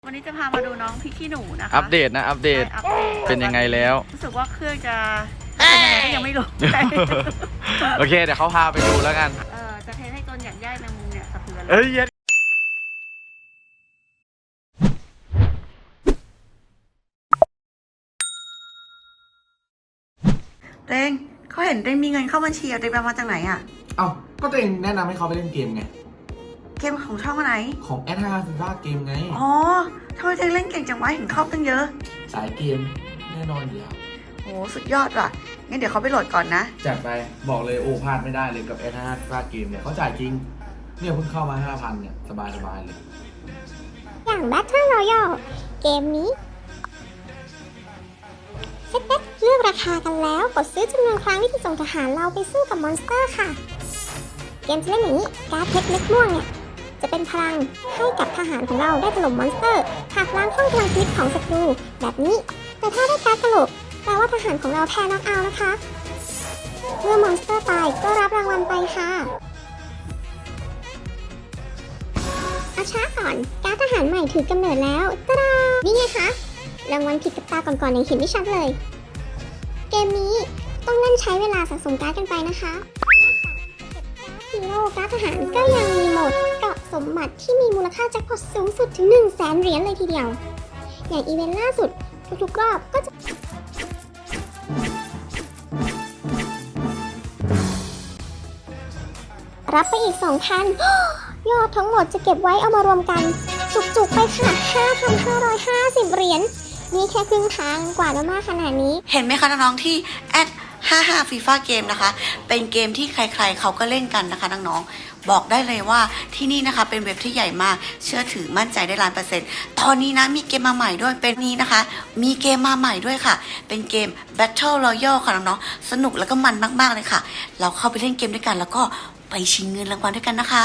วันนี้จะพามาดูน้องพี่ขี้หนูนะคะอัปเดตนะอัปเดตเป็นยังไงแล้วรู้สึกว่าเครื่องจะเป็นยังไงก็ยังไม่รู้โอเคเดี๋ยวเขาพาไปดูแล้วกันจะเทให้จนอย่างย่ายแมงมุมเนี่ยสะเทือนเลยเอ้ยเต้งเขาเห็นเต้งมีเงินเข้าบัญชีอะเต้งไปมาจากไหนอะเอ้าก็ตัวเองแนะนำให้เขาไปเล่นเกมไงเกมของช่องไหนของแอดฮาร์ฟีฟ่าเกมไงอ๋อทำไมเต้งเล่นเก่งจังวะเห็นเข้าตั้งเยอะสายเกมแน่นอนอยู่แล้วโอ้สุดยอดว่ะงั้นเดี๋ยวเขาไปโหลดก่อนนะจัดไปบอกเลยโอ้พลาดไม่ได้เลยกับแอดฮาร์ฟีฟ่าเกมเนี่ยเขาจ่ายจริงเนี่ยเพิ่งเข้ามา 5,000 เนี่ยสบายเลยอย่าง Battle Royale เกมนี้เซ็ตเลือกราคากันแล้วกดซื้อจำนวนครั้งที่จะส่งทหารเราไปสู้กับมอนสเตอร์ค่ะเกมจะเล่นอย่างนี้การ์ดเพชรเม็ดม่วงเนี่ยจะเป็นพลังให้กับทหารของเราได้ถล่มมอนสเตอร์หักล้างช่องพลังชีวิตของศัตรูแบบนี้แต่ถ้าได้การ์ดตลกแปลว่าทหารของเราแพ้น็อกเอาท์นะคะเมื่อมอนสเตอร์ตายก็รับรางวัลไปค่ะเอาช้าก่อนการ์ดทหารใหม่ถือกำเนิดแล้วตะดานี่ไงคะรางวัลผิดกับตาก่อนๆอย่างเห็นไม่ชัดเลยเกมนี้ต้องเล่นใช้เวลาสะสมการ์ดกันไปนะคะฮีโร่การ์ดทหารก็ยังมีโหมดเกาะสมบัติที่มีมูลค่าแจ็คพอตสูงสุดถึง 100,000 เหรียญเลยทีเดียวอย่างอีเวนต์ล่าสุดทุกๆรอบก็จะรับไปอีก 2,000 ยอดทั้งหมดจะเก็บไว้เอามารวมกันจุกๆไปค่ะ 5,550 เหรียญนี่แค่ครึ่งทางกว่าจะมากขนาดนี้เห็นไหมคะน้องๆที่แอด55 FIFA เกมนะคะเป็นเกมที่ใครๆเขาก็เล่นกันนะคะน้องๆบอกได้เลยว่าที่นี่นะคะเป็นเว็บที่ใหญ่มากเชื่อถือมั่นใจได้100%ตอนนี้นะมีเกมมาใหม่ด้วยเป็นนี้นะคะมีเกมมาใหม่ด้วยค่ะเป็นเกม Battle Royale ค่ะน้องๆสนุกแล้วก็มันมากๆเลยค่ะเราเข้าไปเล่นเกมด้วยกันแล้วก็ไปชิงเงินรางวัลด้วยกันนะคะ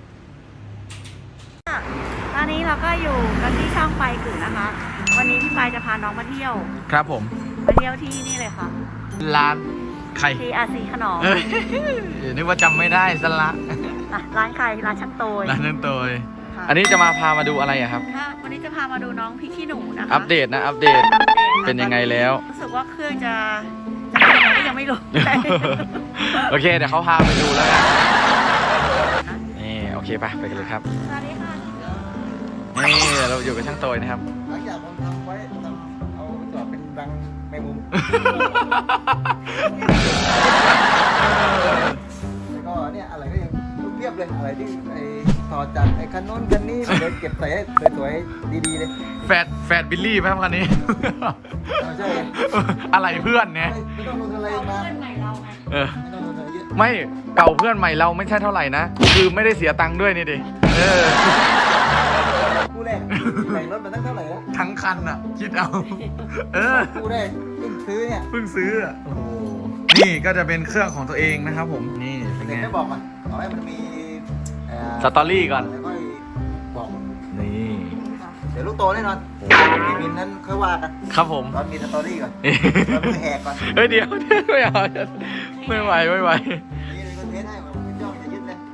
ตอนนี้เราก็อยู่กันที่ช่องไปกึ่งนะคะวันนี้พี่ปายจะพาน้องมาเที่ยวครับผมมาเที่ยวที่นี่เลยค่ะร้านใคร TRC ขนมนึกว่าจำไม่ได้ซะละร้านใครร้านช่างโตยร้านช่างโตยอันนี้จะมาพามาดูอะไรอะครับวันนี้จะพามาดูน้องพี่ขี้หนูนะคะอัปเดตนะอัปเดตเป็นยังไงแล้วรู้สึกว่าเครื่องจะเป็นยังไงก็ยังไม่รู้โอเคเดี๋ยวเขาพาไปดูแล้วกันนี่โอเคไปกันเลยครับสวัสดีค่ะนี่เราอยู่กับช่างโตยนะครับหลังจากผมทำไว้เอาไปจอดเป็นรังแมงมุมแล้วก็เนี่ยอะไรก็ยังเรียบเลยอะไรที่ไอ้ต่อจากไอ้คันโน้นคันนี้เลยเก็บใส่ให้สวยๆดีๆเลยแฟดบิลลี่ไหมครับคันนี้ใช่อะไรเพื่อนเนี่ยไม่ต้องลงอะไรมาเพื่อนใหม่เราไงไม่ต้องลงอะไรเยอะไม่เก่าเพื่อนใหม่เราไม่ใช่เท่าไหร่นะคือไม่ได้เสียตังค์ด้วยนี่ดิคู่แรกใส่รถมาตั้งเท่าไหร่แล้วทั้งคันอ่ะคิดเอาคู่แรกเพิ่งซื้อเนี่ยโอ้โหนี่ก็จะเป็นเครื่องของตัวเองนะครับผมนี่เป็นไงไม่บอกมันขอให้มันมีสตอรี่ก่อนแล้วก็บอกนี่เดี๋ยวลูกโตแน่นอนมีมินนั้นค่อยว่ากันครับผมตอนมีสตอรี่ก่อนแล้วมือแหกก่อนเฮ้ยเดี๋ยวไม่เอาไม่ไหวนี่เลยคอนเทนต์ให้ผมย่อมจะยึดเลย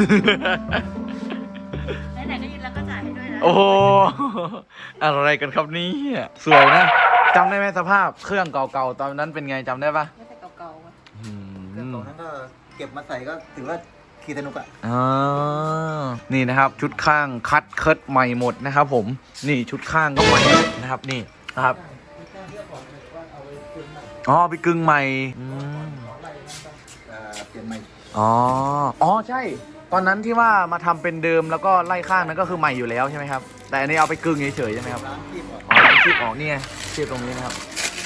ไหนๆก็ยึดแล้วก็จ่ายให้ด้วยนะโอ้โหอะไรกันครับนี่สวยนะจำได้ไหมสภาพเครื่องเก่าๆตอนนั้นเป็นไงจำได้ปะไม่ใช่เก่าๆวะเครื่องเก่านั้นก็เก็บมาใส่ก็ถือว่าขี่สนุกอ่ะนี่นะครับชุดข้างคัดเคิร์ดใหม่หมดนะครับผมนี่ชุดข้างก็ใหม่นะครับนี่นะครับอ๋อไปกึ่งใหม่เปลี่ยนใหม่อ๋อใช่ตอนนั้นที่ว่ามาทำเป็นเดิมแล้วก็ไล่ข้างนั้นก็คือใหม่อยู่แล้วใช่ไหมครับแต่อันนี้เอาไปกึ่งเฉยๆใช่ไหมครับคีบออกนี่ไงคีบตรงนี้นะครับ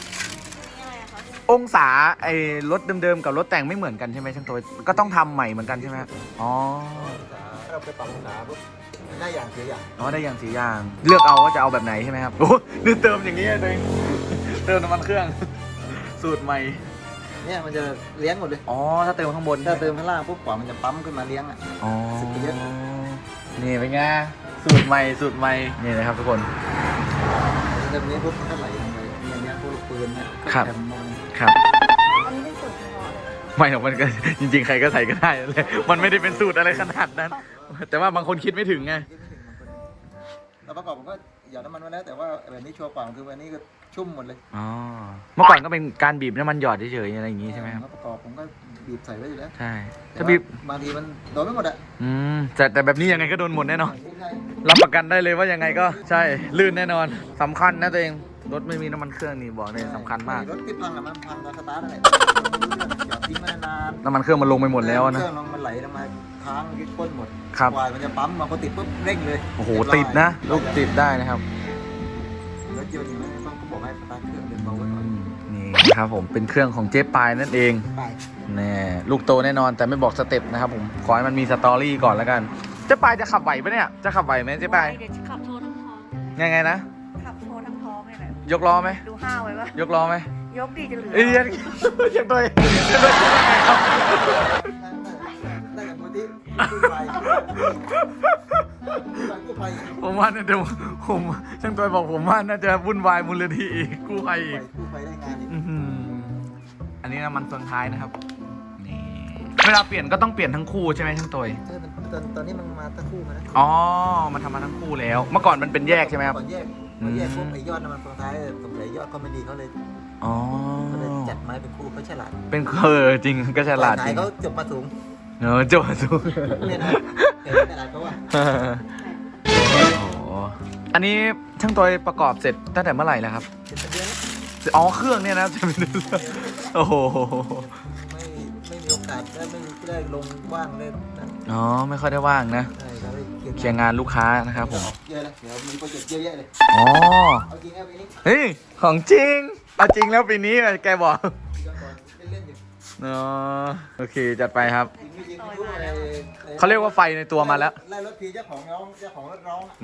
องศาไอ้รถเดิมๆกับรถแต่งไม่เหมือนกันใช่ไหมช่างตัวก็ต้องทำใหม่เหมือนกันใช่ไหมอ๋อเราไปปรับองศาปุ๊บได้อย่างเสียอย่างได้อย่างสีอย่างเลือกเอาว่าจะเอาแบบไหนใช่ไหมครับโอ้นี่เติมอย่างนี้เลยเติมน้ำมันเครื่องสูตรใหม่เนี่ยมันจะเลี้ยงหมดเลยถ้าเติมข้างบนถ้าเติมข้างล่างปุ๊บกว่ามันจะปั๊มขึ้นมาเลี้ยงอ่ะสึกเยอะนี่เป็นไงสูตรใหม่นี่นะครับทุกคนเติมนี้ปุ๊บมันก็ไหลลงไปเนี่ยพวกปืนเนี่ยครับอันนี้เป็นสูตรเฉพาะเลยไม่หรอกมันก็จริงๆใครก็ใส่ก็ได้เลยมันไม่ได้เป็นสูตรอะไรขนาดนั้นแต่ว่าบางคนคิดไม่ถึงไงแล้วประกอบมันก็หยอดน้ำมันมาแล้วแต่ว่าแบบนี้ชัวร์กว่าคือวันนี้ก็ชุ่มหมดเลยอ๋อเมื่อก่อนก็เป็นการบีบน้ำมันหยอดเฉยๆอะไรอย่างงี้ใช่ไหมครับประกอบผมก็บีบใส่ไว้อยู่แล้วใช่แต่ถ้าว่าบีบบางทีมันโดนไม่หมดอ่ะแต่แบบนี้ยังไงก็โดนหมดแน่นอนไม่ใช่รับประกันได้เลยว่ายังไงก็ใช่ลื่นแน่นอนสำคัญนะตัวเองรถไม่มีน้ำมันเครื่องนี่บอกเลยสำคัญมากรถที่พังอะมันพังตอนสตาร์ทนั่นแหละหยอดทิ้งมานานน้ำมันเครื่องมันลงไปหมดแล้วนะเครื่องลงมันไหลลงมาค้างยึดก้นหมดครับวายมันจะปั๊มมาพอติดปุ๊บเร่งเลยโอ้โหติดนะลูกติดได้นะครับรถยนต์อย่างนี้ต้องบอกให้สตาร์ทเครื่องเดินเบาไว้ก่อนนี่นะครับผมเป็นเครื่องของเจ๊ปายนั่นเองไปแน่ลูกโตแน่นอนแต่ไม่บอกสเต็ปนะครับผมขอให้มันมีสตอรี่ก่อนแล้วกันเจ๊ปายจะขับไหวปะเนี่ยจะขับไหวไหมเจ๊ปายเดี๋ยวจะขับโชว์ทั้งท้องยังไงนะขับโชว์ทั้งท้องเลยนะยกล้อไหมดูห้าวไว้ปะยกล้อไหมยกดีจะเหลือเอ้ยยังตัวครับได้จากมูลที่กู้ภัยกู้ภัยผมว่าน่าจะผมช่างตัวบอกผมว่าน่าจะวุ่นวายมูลนิธิอีกกู้ภัยอีกกู้ภัยได้งานอีกอื้อหืออันนี้น้ำมันเฟืองท้ายนะครับนี่เวลาเปลี่ยนก็ต้องเปลี่ยนทั้งคู่ใช่ไหมช่างตัวตอนนี้มันมาทั้งคู่มาแล้วอ๋อมันทำมาทั้งคู่แล้ว เมื่อก่อนมันเป็นแยกใช่ไหมครับก่อนแยกพวกไอ้ยอดน้ำมันสุดท้ายสงสัยยอดเขาไม่ดีเขาเลยอ๋อจัดไม้เป็นคู่เขาฉลาดเป็นจริงก็ฉลาดจริงเขาจบมาสูงเนอะจบสูเนี่ยนะแต่ฉลาดเขาว่าโอ้โหอันนี้ช่างตัวประกอบเสร็จตั้งแต่เมื่อไหร่แล้วครับเป็นเดือนอ๋อเครื่องเนี่ยนะจะเป็นโอ้โหไม่มีโอกาสได้ไม่ได้ลงว่างเลยนะอ๋อไม่ค่อยได้ว่างนะใช่เราได้เคลียร์งานลูกค้านะครับผมเยอะเลยเดี๋ยวมีโปรเจกต์เยอะแยะเลยอ๋อเอาจริงเอาไปนี้เฮ้ยของจริงเอาจริงแล้วปีนี้แกบอกย้อนก่อนเล่นๆอยู่อ๋อโอเคจัดไปครับจริงไม่จริงไม่รู้อะไรเขาเรียกว่าไฟในตัวมาแล้วไล่รถทีเจ้าของร้องเจ้าของรถร้องอะ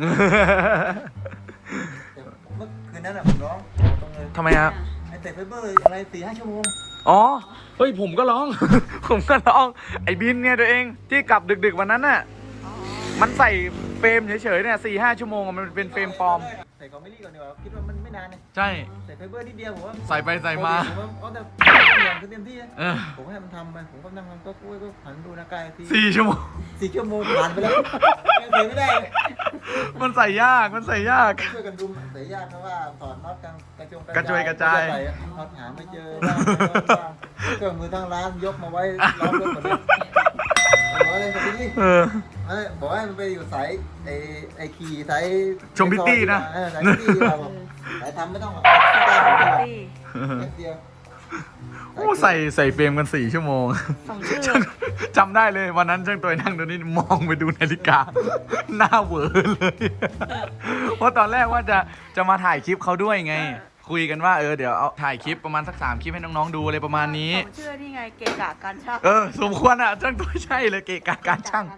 แต่เมื่อคืนนั้นอะผมร้องตรงเลยทำไมครับไอ้เตะไฟเบอร์อะไร4-5 ชั่วโมงอ๋อเฮ้ยผมก็ร้อง ผมก็ร้องไอ้บินเนี่ยตัวเองที่กลับดึกๆวันนั้นน่ะมันใส่เฟรมเฉยๆเนี่ย4-5 ชั่วโมงอะมันเป็นเฟรมปลอมใส่ของไม่รีก่อนดีกว่าคิดว่ามันไม่นานเนี่ยใช่ใส่ไฟเบอร์นิดเดียวผมว่าใส่ไปใส่มาผมว่าเอาแต่อย่างคือเต็มที่นะเออผมให้มันทำไปผมก็นั่งทำก็คุยก็หันดูหน้ากายที 4 ชั่วโมง 4 ชั่วโมงผ่านไปแล้วยังใส่ไม่ได้เลยมันใส่ยากมันใส่ยากช่วยกันดูใส่ยากเพราะว่าถอดน็อตกระจงกระจุยกระจายน็อตหาไม่เจอบ้างเครื่องมือทั้งร้านยกมาไว้ล้อมรถหมดเลยบอกว่าอะไรสักทีเออบอกว่ามันไปอยู่สายไอ้ขี่สายชมพิตตี้นะสายพิตตี้เราบอกสายทำไม่ต้องหรอกแค่เดียวโอ้ใส่เฟรมกัน4 ชั่วโมง จำได้เลยวันนั้นช่างตัวนั่งตรงนี้มองไปดูนาฬิกา หน้าเหวอเลย เพราะตอนแรกว่าจะมาถ่ายคลิปเขาด้วยไง คุยกันว่าเดี๋ยวเอาถ่ายคลิปประมาณสัก3 คลิปให้น้องๆดูอะไรประมาณนี้ผมเชื่อนี่ไงเกะกะการช่างสมควรอ่ะช่างตัวใช่เลยเกะกะการช่าง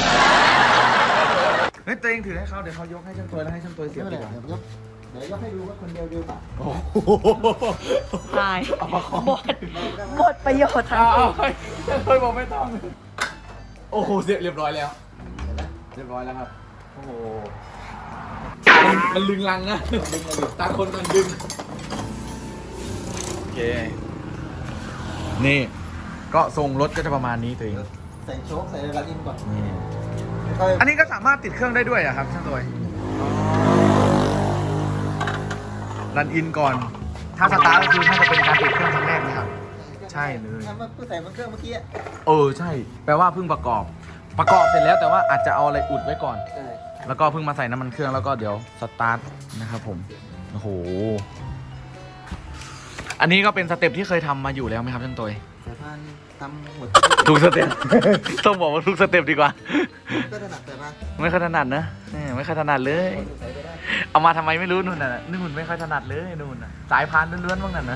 เฮ้ยตัวเองถือให้เขาเดี๋ยวเขายกให้ช่างตัวแล้วให้ช่างตัวเสียบดีกว่าเดี๋ยวยกให้ดูว่าคนเดียวป่ะโอ้โหตายหมดประโยชน์ทั้งเอาคู่ช่างตัวบอกไม่ต้องโอ้โหเสร็จเรียบร้อยแล้ว เรียบร้อยแล้วครับ โอ้โหมันลึงลังนะดึงมาดิตาคนมันดึงโอเค นี่ ก็ทรงรถก็จะประมาณนี้ตัวเองใส่โชคใส่ระดับอินก่อนนี่ค่อยอันนี้ก็สามารถติดเครื่องได้ด้วยอะครับช่างตัวรันอินก่อน ถ้าสตาร์ทก็คือน่าจะเป็นการติดเครื่องครั้งแรกนะครับ ใช่เลยทำมาเพื่อใส่มันเครื่องเมื่อกี้ใช่ แปลว่าเพิ่งประกอบเสร็จแล้วแต่ว่าอาจจะเอาอะไรอุดไว้ก่อนใช่แล้วก็เพิ่งมาใส่น้ำมันเครื่องแล้วก็เดี๋ยวสตาร์ทนะครับผม โอ้โห อันนี้ก็เป็นสเต็ปที่เคยทำมาอยู่แล้วไหมครับช่างตัวสายพานทำหมดทุกสเต็ป ต้องบอกว่าทุกสเต็ปดีกว่าก็ถนัดสายพานไม่ค่อยถนัดนะไม่ค่อยถนัดเลยใส่ไปได้เอามาทำไมไม่รู้นู่นน่ะนู่นไม่ค่อยถนัดเลยนู่นน่ะสายพานล้วนๆบ้างนั่นนะ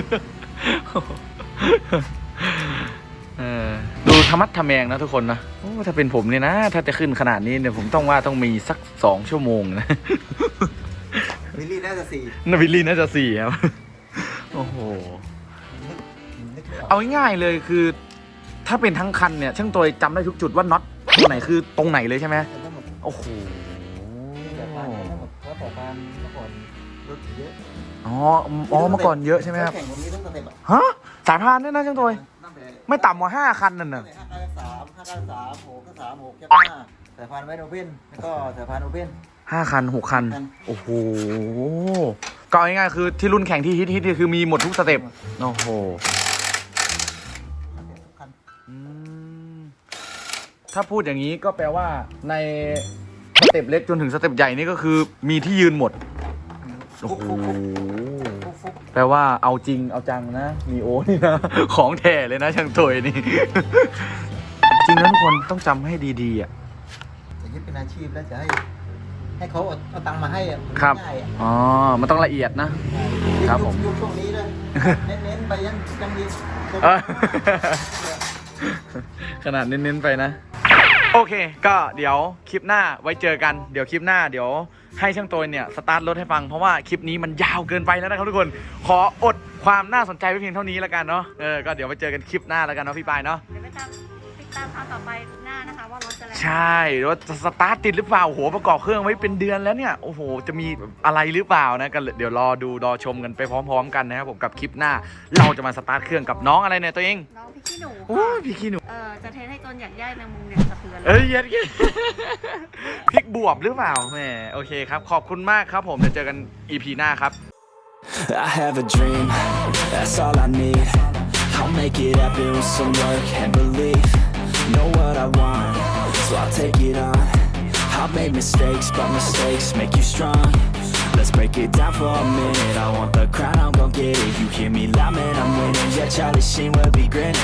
ดูธรรมัดทะแมงนะทุกคนนะโอ้ถ้าเป็นผมเนี่ยนะ ถ้าจะขึ้นขนาดนี้เนี่ยผมต้องมีสัก2 ชั่วโมงนะวิลลี่น่าจะ4 นาวิลลี่น่าจะ4 ครับ โอ้โหนึกไม่ออกเอาง่ายๆเลยคือ ถ้าเป็นทั้งคันเนี่ยช่างตัวจำได้ทุกจุดว่าน็อตตรงไหนคือตรงไหนเลยใช่ไหมแต่ทั้งหมดโอ้โหสายพานทั้งหมดเพราะสายพานเมื่อก่อนรถเยอะอ๋อเมื่อก่อนเยอะใช่ไหมครับแข่งผมมีต้องสเต็ปอ่ะฮะสายพานเนี่ยนะช่างตัวตั้งแต่ไม่ต่ำกว่า5 คันนั่นน่ะ 593 593 6 6 5 3 6 5สายพานไวโอเพ่นแล้วก็สายพานโอเพ่น 5 คัน 6 คัน โอ้โห ก็เอาง่ายๆคือที่รุ่นแข่งที่ฮิตๆคือมีหมดทุกสเต็ป โอ้โห อืมถ้าพูดอย่างนี้ก็แปลว่าในสเต็ปเล็กจนถึงสเต็ปใหญ่นี่ก็คือมีที่ยืนหมด โอ้โห แปลว่าเอาจริงเอาจังนะ มีโอนี่นะ ของแท้เลยนะช่างตัวนี่ จริงนะทุกคนต้องจำให้ดีๆอ่ะจะยึดเป็นอาชีพแล้วจะให้เขาเอาตังค์มาให้อ่ะครับง่ายอ่ะอ๋อ มันต้องละเอียดนะ ครับผมยุคช่วงนี้เลยเน้นๆไปยังดีเออ ขนาดเน้นๆไปนะ โอเค ก็เดี๋ยวคลิปหน้าไว้เจอกัน เดี๋ยวคลิปหน้าเดี๋ยวให้ช่างตัวเนี่ยสตาร์ทรถให้ฟังเพราะว่าคลิปนี้มันยาวเกินไปแล้วนะครับทุกคน ขออดความน่าสนใจไว้เพียงเท่านี้แล้วกันเนาะ ก็เดี๋ยวไปเจอกันคลิปหน้าแล้วกันเนาะพี่ปายเนาะเดี๋ยวไปติดตามเอาต่อไปหน้านะคะว่ารถจะแรงใช่ว่าจะสตาร์ทติดหรือเปล่าโอ้โหประกอบเครื่องไว้เป็นเดือนแล้วเนี่ยโอ้โหจะมีอะไรหรือเปล่านะกันเดี๋ยวรอดูรอชมกันไปพร้อมๆกันนะครับผมกับคลิปหน้า เราจะมาสตาร์ทเครื่องกับน้องอะไรเนี่ยตัวเองน้องพี่ขี้หนูโอ้ยพี่ขี้หนูจะเทสให้จนอยากย่ายแมงมุมเนี่ยสะเทือนเอ้ยเย็ดเย็ด พริกบวบหรือเปล่าแหมโอเคครับขอบคุณมากครับผมเดี๋ยวเจอกัน EP หน้าครับ I have a dream, that's all I need. I'll make it happen with some work and belief. Know what I want, so I'll take it on. I've made mistakes, but mistakes make you strong. Let's break it down for a minute. I want the crown, I'm gon' get it. You hear me loud, man, I'm winning. Yeah, Charlie Sheen will be grinning.